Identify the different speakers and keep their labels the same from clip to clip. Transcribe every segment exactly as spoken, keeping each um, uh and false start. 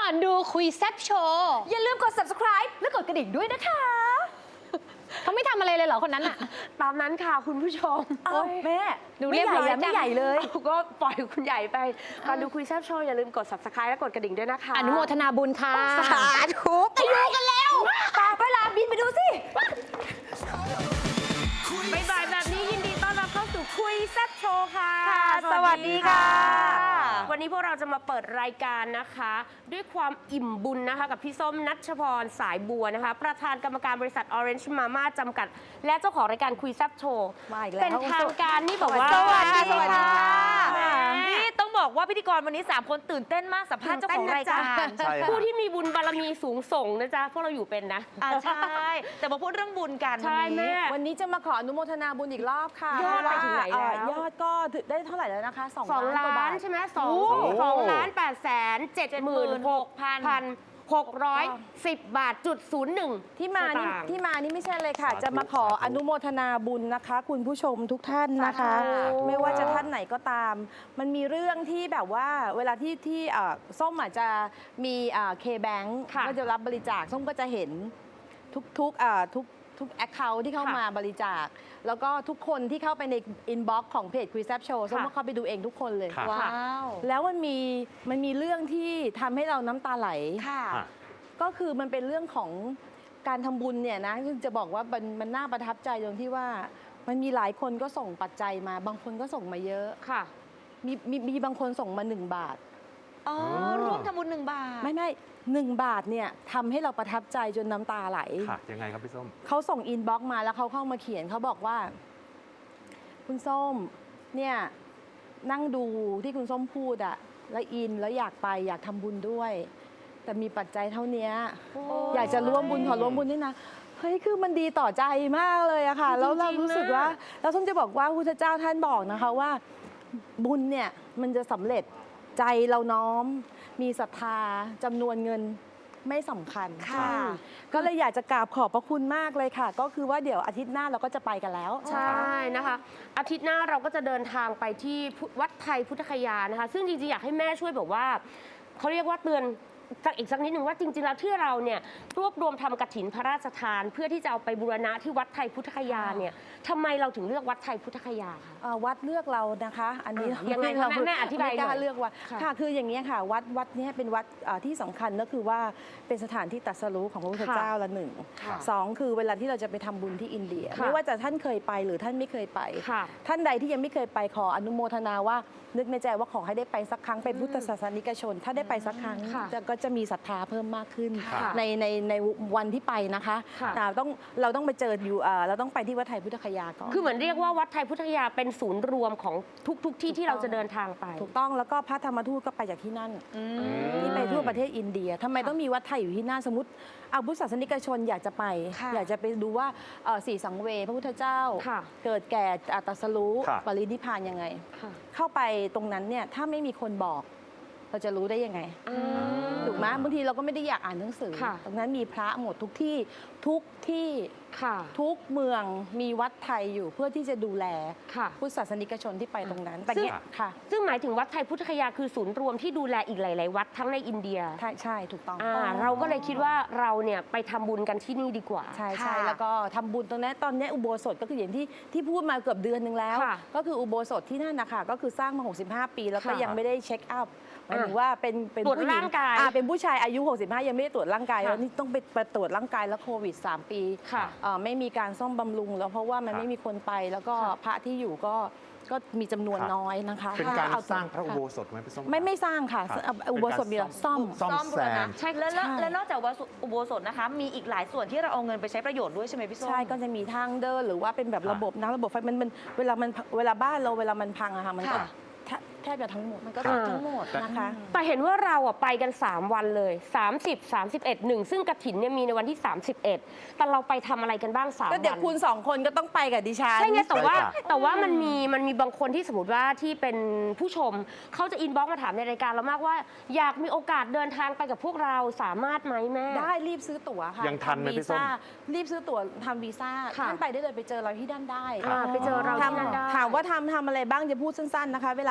Speaker 1: อนดูคุยแซ่บโชว์
Speaker 2: อย่าลืมกด ซับสไครบ์ และกดกระดิ่งด้วยนะคะ
Speaker 1: เขาไม่ทำอะไรเลยเหรอคนนั้นอะ
Speaker 3: ตามนั้นค่ะคุณผู้ชม
Speaker 2: โอ้แม่ดูเรียบร้อยไม่ใหญ่เลย
Speaker 3: ก็ปล่อยคุณใหญ่ไปก่อนดูคุยแซ่บโชว์อย่าลืมกด ซับสไครบ์ และกดกระดิ่งด้วยนะคะ
Speaker 1: อนุโมทนาบุญค่ะ
Speaker 2: สาธุไปดูกันแล้วตาไปลาบินไปดูสิ
Speaker 3: บ่ายๆแบบนี้ยินดีต้อนรับเข้าสู่คุยแซ่บโชว์ค่ะ
Speaker 2: สวัสดีค่ะ
Speaker 3: วันนี้พวกเราจะมาเปิดรายการนะคะ ด้วยความอิ่มบุญนะคะกับพี่ส้มนัชพรสายบัวนะคะประธานกรรมการบริษัท Orange Mama จำกัดและเจ้าของรายการคุยแซ่บโชว์เป็นทางการนี่บอกว่า
Speaker 2: สวัสดีสวัสดีค่ะ
Speaker 4: นี่ต้องบอกว่าพิธีกรวันนี้สามคนตื่นเต้นมากสัมภาษณ์เจ้าของรายการ
Speaker 3: ผู้ที่มีบุญบารมีสูงส่งนะจ๊ะพวกเราอยู่เป็นนะ
Speaker 4: อ่าใช่แต่มาพูดเรื่องบุญกัน
Speaker 3: ใช่แม่
Speaker 2: วันนี้จะมาขออนุโมทนาบุญอีกรอบค่ะ
Speaker 3: ยอดไปถึงไหนแล้ว
Speaker 2: เอ่อยอดก็ได้เท่าไหร่แล้วนะคะสอง
Speaker 3: สอง
Speaker 2: ล้านกว่า
Speaker 3: ล้า
Speaker 2: บาน ท
Speaker 3: ใช่ไหมสองสองล้านแปดแสนเจ็ดหมื่นหกพันหกร้อยสิบบาทจุดศูนย์หนึ่ง
Speaker 2: ที่มานี่ที่มานี่ไม่ใช่เลยค่ะ จะมาขออนุโมทนาบุญนะคะ คุณผู้ชมทุกท่านนะคะ ไม่ว่าจะท่านไหนก็ตาม มันมีเรื่องที่แบบว่าเวลาที่ที่เอ่อส้มอาจจะมีเคแบงค์ก็จะรับบริจาคส้มก็จะเห็นทุกๆเอ่อทุกทุกแอคเคาท์ที่เข้ามาบริจาค แล้วก็ทุกคนที่เข้าไปในอินบ็อกซ์ของเพจคุยแซบโชว์ส้มก็เข้าไปดูเองทุกคนเลย
Speaker 1: ว้าว
Speaker 2: แล้วมันมีมันมีเรื่องที่ทำให้เราน้ำตาไหล
Speaker 4: ค่ะ
Speaker 2: ก็คือมันเป็นเรื่องของการทำบุญเนี่ยนะซึ่งจะบอกว่ามันมันน่าประทับใจตรงที่ว่ามันมีหลายคนก็ส่งปัจจัยมา บางคนก็ส่งมาเยอะ
Speaker 3: ค่ะ
Speaker 2: มีมีมีบางคนส่งมาหนึ่งบาท
Speaker 4: อ๋อร่วมทำบุญหนึ่งบาท
Speaker 2: ไม่ไม่หนึ่งบาทเนี่ยทำให้เราประทับใจจนน้ำตาไหล
Speaker 5: ค่ะยังไงครับพี่ส้ม
Speaker 2: เขาส่งอินบ็อกซ์มาแล้วเขาเข้ามาเขียนเขาบอกว่า คุณส้มเนี่ยนั่งดูที่คุณส้มพูดอะแล้วอินแล้วอยากไปอยากทำบุญด้วย แต่มีปัจจัยเท่านี้อยากจะร่วมบุญขอร่วมบุญด้วยนะเฮ้ยคือมันดีต่อใจมากเลยอะค่ะแล้วเรารู้สึกว่าแล้วส้มจะบอกว่าพระพุทธเจ้าท่านบอกนะคะว่า บุญเนี่ยมันจะสำเร็จใจเราน้อม มีศรัทธาจำนวนเงินไม่สำคัญ
Speaker 4: ค่ะ
Speaker 2: ก็เลยอยากจะกราบขอบพระคุณมากเลยค่ะ ก็คือว่าเดี๋ยวอาทิตย์หน้าเราก็จะไปกันแล้ว
Speaker 3: ใช่นะคะ อาทิตย์หน้าเราก็จะเดินทางไปที่วัดไทยพุทธคยานะคะ ซึ่งจริงๆอยากให้แม่ช่วยแบบว่าเขาเรียกว่าเตือนสักอีกสักนิดหนึ่งว่าจริงๆแล้วที่เราเนี่ยรวบรวมทำกฐินพระราชทาน เพื่อที่จะเอาไปบูรณะที่วัดไทยพุทธคยาเนี่ยทำไมเราถึงเลือกวัดไทยพุทธคยาคะ
Speaker 2: เอ่อวัดเลือกเรานะคะ อันนี้
Speaker 3: อ่ะยังไงคะ
Speaker 2: เรา
Speaker 3: แม่แม่อธิบาย
Speaker 2: ไม่กล้า
Speaker 3: หน่อย
Speaker 2: เลือกว่า
Speaker 3: ค่ะ
Speaker 2: ค่ะคืออย่างนี้ยค่ะ วัดวัดเนี้ยเป็นวัดเอ่อที่สำคัญก็คือว่าเป็นสถานที่ตรัสรู้ของพระพุทธเจ้าละหนึ่ง
Speaker 3: ค่ะ
Speaker 2: สองคือเวลาที่เราจะไปทำบุญที่อินเดีย
Speaker 3: ค่ะ
Speaker 2: ไม่ว่าจะท่านเคยไปหรือท่านไม่เคยไป
Speaker 3: ค่ะ
Speaker 2: ท่านใดที่ยังไม่เคยไปขออนุโมทนาว่านึกในใจว่าขอให้ได้ไปสักครั้งเป็นพุทธศาสนิกชน ถ้าได้ไปสักครั้ง
Speaker 3: ค่ะ
Speaker 2: จะก็จะมีศรัทธาเพิ่มมากขึ้น
Speaker 3: ค่ะ
Speaker 2: ในในในวันที่ไปนะคะ
Speaker 3: ค่ะ
Speaker 2: อ่าต้องเราต้องไปเจออยู่เอ่อเราต้องไปที่วัดไทยพุทธคยาก่อน
Speaker 3: คือเหมือนเรียกว่าวัดไทยพุทธคยาเป็นศูนย์รวมของทุกๆที่ที่เราจะเดินทางไป
Speaker 2: ถูกต้องแล้วก็พระธรรมทูตก็ไปจากที่นั่นที่ไปทั่วประเทศอินเดียทำไมต้องมีวัดไทยอยู่ที่นั่นสมมติเอาพุทธศาสนิกชนอยากจะไป
Speaker 4: ค่ะ
Speaker 2: อยากจะไปดูว่าเอ่อสี่สังเวยพระพุทธเจ้า
Speaker 3: ค่ะ
Speaker 2: เกิดแก่อัตตรัสรู้
Speaker 5: ค่ะ
Speaker 2: ปรินิพพานยังไง
Speaker 3: ค่ะ
Speaker 2: เข้าไปตรงนั้นเนี่ยถ้าไม่มีคนบอก เราจะรู้ได้ยังไง ถูกไหมบางทีเราก็ไม่ได้อยากอ่านหนังสือ
Speaker 3: ค่ะ
Speaker 2: ตรงนั้นมีพระหมดทุกที่ทุกที่
Speaker 3: ค่ะ
Speaker 2: ทุกเมืองมีวัดไทยอยู่เพื่อที่จะดูแล
Speaker 3: ค่ะ
Speaker 2: พุทธศาสนิกชนที่ไปตรงนั้น แต่
Speaker 3: ซึ่ง
Speaker 2: เนี่ยค่ะ
Speaker 3: ซึ่งหมายถึงวัดไทยพุทธคยาคือศูนย์รวมที่ดูแลอีกหลาย ๆ วัดทั้งในอินเดีย
Speaker 2: ใช่ใช่ถูกต้อง
Speaker 3: อ่าเราก็เลยคิดว่าเราเนี่ยไปทำบุญกันที่นี่ดีกว่า
Speaker 2: ใช่ใช่
Speaker 4: ค่ะ
Speaker 2: แล้วก็ทำบุญตรงนี้ตอนนี้อุโบสถก็คืออย่างที่ที่พูดมาเกือบเดือนหนึ่งแล้ว
Speaker 3: ค่ะ
Speaker 2: ก็คืออุโบสถที่นั่นนะคะก็คือสร้างมา หกสิบห้า ปี แล้วก็
Speaker 3: ค่ะ
Speaker 2: ยังไม่ได้เช็คอัพหมายถึงว่าเป็นเป็น
Speaker 3: ตรวจ
Speaker 2: ผู้หญิ
Speaker 3: ร่างกาย
Speaker 2: อ่เป็นผู้ชายอายุ หกสิบห้า ยังไม่ได้ตรวจร่างกาย
Speaker 3: ค่ะ
Speaker 2: แล้วนี่ต้องไปไปตรวจร่างกายแล้วโควิด สาม ปี
Speaker 3: ค่ะ
Speaker 2: เอ่อไม่มีการซ่อมบำรุงแล้วเพราะว่ามัน
Speaker 5: ค่ะ
Speaker 2: ไม่มีคนไปแล้วก็
Speaker 3: ค่ะ
Speaker 2: พระที่อยู่ก็ก็มีจำนวน
Speaker 5: ค่ะ
Speaker 2: น้อยนะคะ
Speaker 5: เป็นการ
Speaker 2: ถ้อ
Speaker 5: สร้างพระอุโบ
Speaker 2: ค่
Speaker 5: สถไหมพี่ส้ม
Speaker 2: ไม่ไม่สร้างค่ะ
Speaker 5: ครับ
Speaker 2: อุโบสถมีแต่ซ่อม
Speaker 5: ซ่อม
Speaker 4: ซ่อม
Speaker 5: แซ
Speaker 4: บูรณะ
Speaker 5: ม
Speaker 4: ใช่แล้วแล้ว
Speaker 2: ใช่
Speaker 4: แล้วนอกจากอุโบสถนะคะ มีอีกหลายส่วนที่เราเอาเงินไปใช้ประโยชน์ด้วยใช่ไหมพี่ส้ม
Speaker 2: ใช่ก็จะมีทางเดินหรือว่าเป็นแบบ
Speaker 5: ค่ะ
Speaker 2: ระบบน้ำระบบไฟมันมันเวลามันเวลาบ้านเราเวลามันพังอะค่ะมันก็
Speaker 4: ค่ะ
Speaker 2: แทบแทบจะทั้งหมดมันก็
Speaker 3: ค่ะ
Speaker 2: ทั้งหมดนะคะ
Speaker 3: แต่เห็นว่าเราอ่ะไปกัน สาม วันเลย สามสิบ สามสิบเอ็ด หนึ่งซึ่งกฐินเนี่ยมีในวันที่ สามสิบเอ็ด แต่เราไปทำอะไรกันบ้าง สาม
Speaker 2: ก็เดี๋ยว
Speaker 3: วัน
Speaker 2: คุณสองคนก็ต้องไปกับดิฉัน
Speaker 3: ใช่ไงแต่ว่า
Speaker 5: ใช่ค่ะ
Speaker 3: แต่ว่ามันมีมันมีบางคนที่สมมติว่าที่เป็นผู้ชมเขาจะอินบ็อกซ์มาถามในรายการเรามากว่า อยากมีโอกาสเดินทางไปกับพวกเราสามารถไหมแม่
Speaker 2: ได้รีบซื้อตั๋วค่ะ
Speaker 5: ยังทันไหม
Speaker 2: ทำวี
Speaker 5: พี่ส้ม
Speaker 2: ซ่ารีบซื้อตั๋วทำวีซ่า
Speaker 3: ค่ะ
Speaker 2: ท่านไปได้เลยไปเจอเราที่ด้านได้
Speaker 3: อ่าไปเจอเราที่นั่นได้
Speaker 2: ทำถามว่าทำทำอะไรบ้างจะพูดสั้นๆนะคะ เวลาน้อย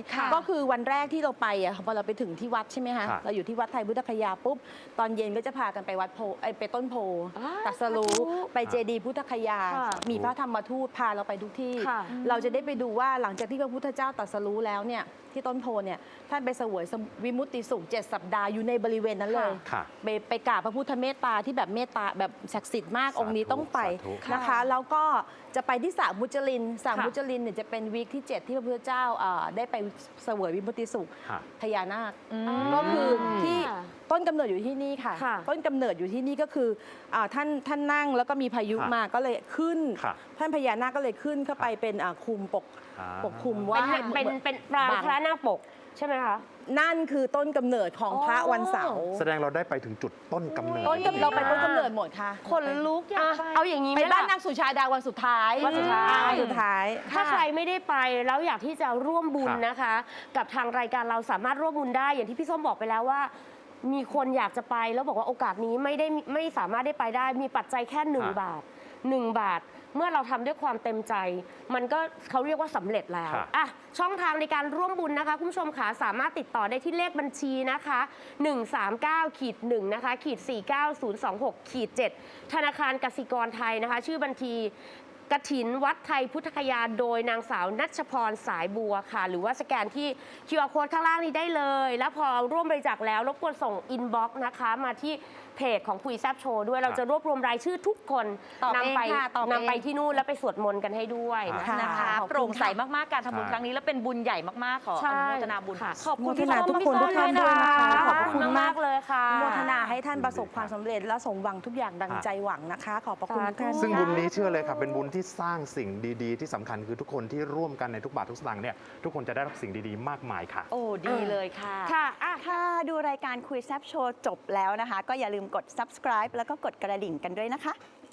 Speaker 1: ค่ะ
Speaker 2: ก็คือวันแรกที่เราไปอ่ะพอเราไปถึงที่วัดใช่ไหมคะ
Speaker 5: ค่ะ
Speaker 2: เราอยู่ที่วัดไทยพุทธคยาปุ๊บตอนเย็นก็จะพากันไปวัดโพไอยไปต้นโพ
Speaker 3: อ่า
Speaker 2: ตรัสรู้
Speaker 3: สาธุ
Speaker 2: ไปเจดีย์พุทธคยา
Speaker 3: ค่ะ
Speaker 2: มีพระธรรมทูตพาเราไปทุกที่
Speaker 3: ค่ะ
Speaker 2: เราจะได้ไปดูว่าหลังจากที่พระพุทธเจ้าตรัสรู้แล้วเนี่ยที่ต้นโพเนี่ยท่านไปเสวยวิมุตติสุขเจ็ดสัปดาห์อยู่ในบริเวณนั้นเลย
Speaker 5: ค่ะ
Speaker 2: ไปไปกราบพระพุทธเมตตาที่แบบเมตตาแบบศักดิ์สิทธิ์มาก
Speaker 5: สาธุ
Speaker 2: องค์นี้ต้องไป
Speaker 5: สาธุ
Speaker 2: นะคะ แล้วก็จะไปที่สระมุจลินสระ
Speaker 3: ค่ะ
Speaker 2: มุจลินเนี่ยจะเป็นวีคที่ เจ็ด ที่พระพุทธเจ้าเอ่อได้ไปเสวยวิมุตติสุข
Speaker 5: ค่ะ
Speaker 2: พญานาค
Speaker 4: อืม
Speaker 2: ก็คือที่
Speaker 3: ค่ะ
Speaker 2: ต้นกำเนิดอยู่ที่นี่ค่ะ
Speaker 3: ค่ะ
Speaker 2: ต้นกำเนิดอยู่ที่นี่ก็คืออาท่านท่านนั่งแล้วก็มีพายุ
Speaker 5: ค่ะ
Speaker 2: มาก็เลยขึ้น
Speaker 5: ค่ะ
Speaker 2: ท่านพญานาคก็เลยขึ้นเข้าไปเป็นอ่าคุมปก
Speaker 5: อ่า
Speaker 2: ปกคลุมว่า
Speaker 3: เป็นเป็นเป็นปราง
Speaker 2: บัง
Speaker 3: พระนาคปกใช่ไหมคะ
Speaker 2: นั่นคือต้นกำเนิดของพระวันเสาร์
Speaker 5: แสดงเราได้ไปถึงจุดต้นกำเนิด
Speaker 2: ต้นกำเราไปต้นกำเนิดหมดค่ะ
Speaker 4: คนลุกอยาก
Speaker 3: อ่ะ
Speaker 4: ไป
Speaker 3: เอาอย่างนี้ไห
Speaker 2: ไป
Speaker 3: ม
Speaker 2: บ้าน
Speaker 3: ล่ะ
Speaker 2: นางสุชาดาวันสุดท้าย
Speaker 3: วันสุดท้าย
Speaker 2: อ่วันสุดท้าย
Speaker 3: ถ้า
Speaker 2: ค่ะ
Speaker 3: ใครไม่ได้ไปแล้วอยากที่จะร่วมบุญ
Speaker 5: ค่ะ
Speaker 3: นะคะ กับทางรายการเราสามารถร่วมบุญได้ อย่างที่พี่ส้มบอกไปแล้วว่า มีคนอยากจะไปแล้วบอกว่าโอกาสนี้ไม่ได้ไม่สามารถได้ไปได้ มีปัจจัยแค่หนึ่ง
Speaker 5: ค่ะ
Speaker 3: บาทหนึ่งบาท เมื่อเราทำด้วยความเต็มใจ มันก็เขาเรียกว่าสำเร็จแล้ว
Speaker 5: ค่ะ
Speaker 3: อ่ะช่องทางในการร่วมบุญนะคะคุณผู้ชมขาสามารถติดต่อได้ที่เลขบัญชีนะคะหนึ่งสามเก้าขีดหนึ่งนะคะขีดสี่เก้าศูนย์สองหกขีดเจ็ดธนาคารกสิกรไทยนะคะ ชื่อบัญชี กฐินวัดไทยพุทธคยาโดยนางสาวนัชพรสายบัวค่ะ หรือว่าสแกนที่ คิว อาร์ Code ข้างล่างนี้ได้เลย แล้วพอร่วมบริจาคแล้วรบกวนส่งอินบ็อกซ์นะคะมาที่เพจของคุยแซบโชว์ด้วยเราจะรวบรวมรายชื่อทุกคน
Speaker 2: ตอบเอง
Speaker 3: นำไป
Speaker 2: ค่ะตอบเอง
Speaker 3: นำไปที่นู่นแล้วไปสวดมนต์กันให้ด้วย
Speaker 5: ค่ะ
Speaker 3: นะคะ
Speaker 4: นะคะ
Speaker 2: ขอบคุณ
Speaker 4: โปร่งใส
Speaker 2: ค่ะ
Speaker 4: มากๆ การทำบุญ
Speaker 5: ใช่
Speaker 4: ครั้งนี้แล้วเป็นบุญใหญ่มากๆ ขออ
Speaker 3: ใช่
Speaker 4: นุโมทนาบุญ
Speaker 3: ค่ะ
Speaker 4: ขอบคุณ
Speaker 2: โมทนา
Speaker 4: พี่ส้ม
Speaker 2: ทุกคน
Speaker 4: พี่
Speaker 2: ทุกท่านด้วยนะคะขอบคุณ
Speaker 3: มาม
Speaker 2: าก ก
Speaker 3: ๆเลยค่ะ
Speaker 2: โมทนาให้ท่านประสบความสำเร็จและสมหวังทุกอย่างดัง
Speaker 5: ค่ะ
Speaker 2: ใจหวังนะคะ ขอบพระคุณทุกท่าน
Speaker 5: ซึ่งบุญนี้เชื่อเลยครับเป็นบุญที่สร้างสิ่งดีๆ ที่สำคัญคือทุกคนที่ร่วมกันในทุกบาททุกสตางค์เนี่ยทุกคนจะได้รับสิ่งดีๆ มากมายค่ะ
Speaker 4: โอ้ดีเลยค่ะ
Speaker 3: ค่ะอ่ะ
Speaker 6: ถ้าดูรายการคุยแซบโชว์จบแล้วนะคะ ก็อย่าลืมกด subscribe แล้วก็กดกระดิ่งกันด้วยนะคะ